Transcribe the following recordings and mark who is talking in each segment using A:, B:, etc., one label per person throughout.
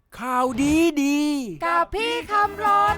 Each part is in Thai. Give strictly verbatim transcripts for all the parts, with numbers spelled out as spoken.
A: ข่าวดีดี
B: กับพี่คำรน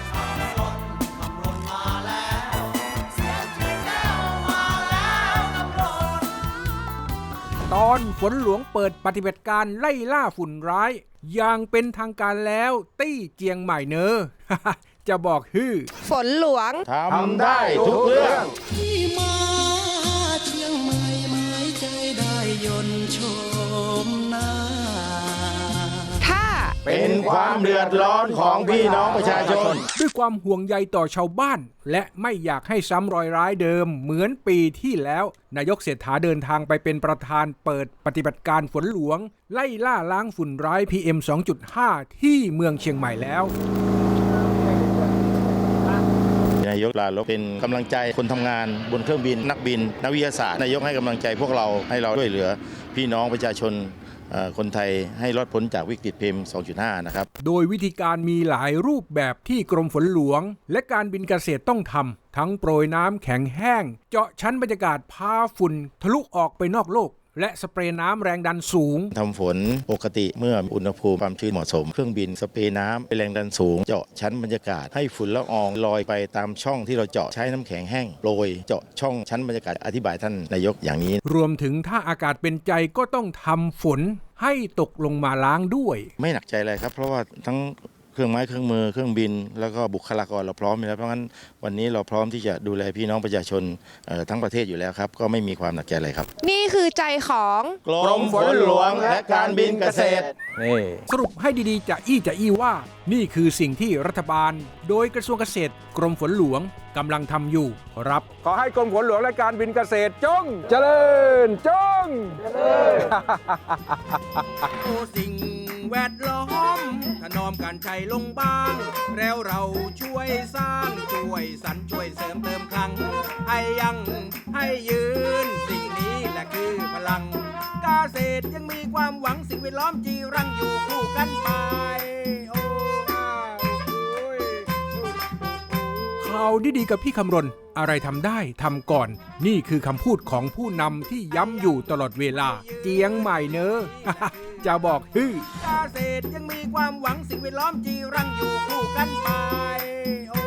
A: ตอนฝนหลวงเปิดปฏิบัติการไล่ล่าฝุ่นร้ายอย่างเป็นทางการแล้วตี้เจียงใหม่เนอ จะบอกฮือ
B: ฝนหลวง
C: ทำได้ทุกเรื่อง
D: ที่มาเชียงใหม่หมายใจได้ยนต์ชมหน้า
B: ถ้า
C: เป็นความเดือดร้อนของพี่น้องประชาชน
A: ด้วยความห่วงใยต่อชาวบ้านและไม่อยากให้ซ้ำรอยร้ายเดิมเหมือนปีที่แล้วนายกเศรษฐาเดินทางไปเป็นประธานเปิดปฏิบัติการฝนหลวงไล่ล่าล้างฝุ่นร้าย พี เอ็ม สองจุดห้า ที่เมืองเชียงใหม่แล้ว
C: นายกลาลบเป็นกำลังใจคนทำงานบนเครื่องบินนักบินนักวิทยาศาสตร์นายกให้กำลังใจพวกเราให้เราช่วยเหลือพี่น้องประชาชนคนไทยให้รอดพ้นจากวิกฤต พี เอ็ม สองจุดห้า นะครับ
A: โดยวิธีการมีหลายรูปแบบที่กรมฝนหลวงและการบินเกษตรต้องทำทั้งโปรยน้ำแข็งแห้งเจาะชั้นบรรยากาศพาฝุ่นทะลุออกไปนอกโลกและสเปรย์น้ำแรงดันสูง
C: ทำฝนปกติเมื่ออุณหภูมิความชื้นเหมาะสมเครื่องบินสเปรย์น้ำเป็นแรงดันสูงเจาะชั้นบรรยากาศให้ฝุ่นละอองลอยไปตามช่องที่เราเจาะใช้น้ำแข็งแห้งโปรยเจาะช่องชั้นบรรยากาศอธิบายท่านนายกอย่างนี้
A: รวมถึงถ้าอากาศเป็นใจก็ต้องทำฝนให้ตกลงมาล้างด้วย
C: ไม่หนักใจเลยครับเพราะว่าทั้งเครื่องไม้เครื่องมือเครื่องบินแล้วก็บุคลากรเราพร้อมอยู่แล้วเพราะงั้นวันนี้เราพร้อมที่จะดูแลพี่น้องประชาชนทั้งประเทศอยู่แล้วครับก็ไม่มีความหนักใจอะไรครับ
B: นี่คือใจของ
C: กรมฝนหลวงและการบินเกษตร
A: นี่สรุปให้ดีๆจะอี้จะอี้ว่านี่คือสิ่งที่รัฐบาลโดยกระทรวงเกษตรกรมฝนหลวงกำลังทำอยู่ครับขอให้กรมฝนหลวงและการบินเกษตรจงเจริญจงเจริญ
E: โอ้สิ่งแวดล้อมถนอมการใช้ลงบ้างแล้วเราช่วยสร้างช่วยสรรช่วยเสริมเติมครั้งให้ยังให้ยืนสิ่งนี้แหละคือพลังเกษตรยังมีความหวังสิ่งแวดล้อมจีรังอยู่คู่กันไปโอ้
A: ข่าวดีๆกับพี่คำรณอะไรทำได้ทำก่อนนี่คือคำพูดของผู้นำที่ย้ำอยู่ตลอดเวลาเจียงใหม่เนอะ จะบอกฮือ
E: เกษตรยังมีความหวังสิ่งแวดล้อมจีรังอยู่คู่กันไป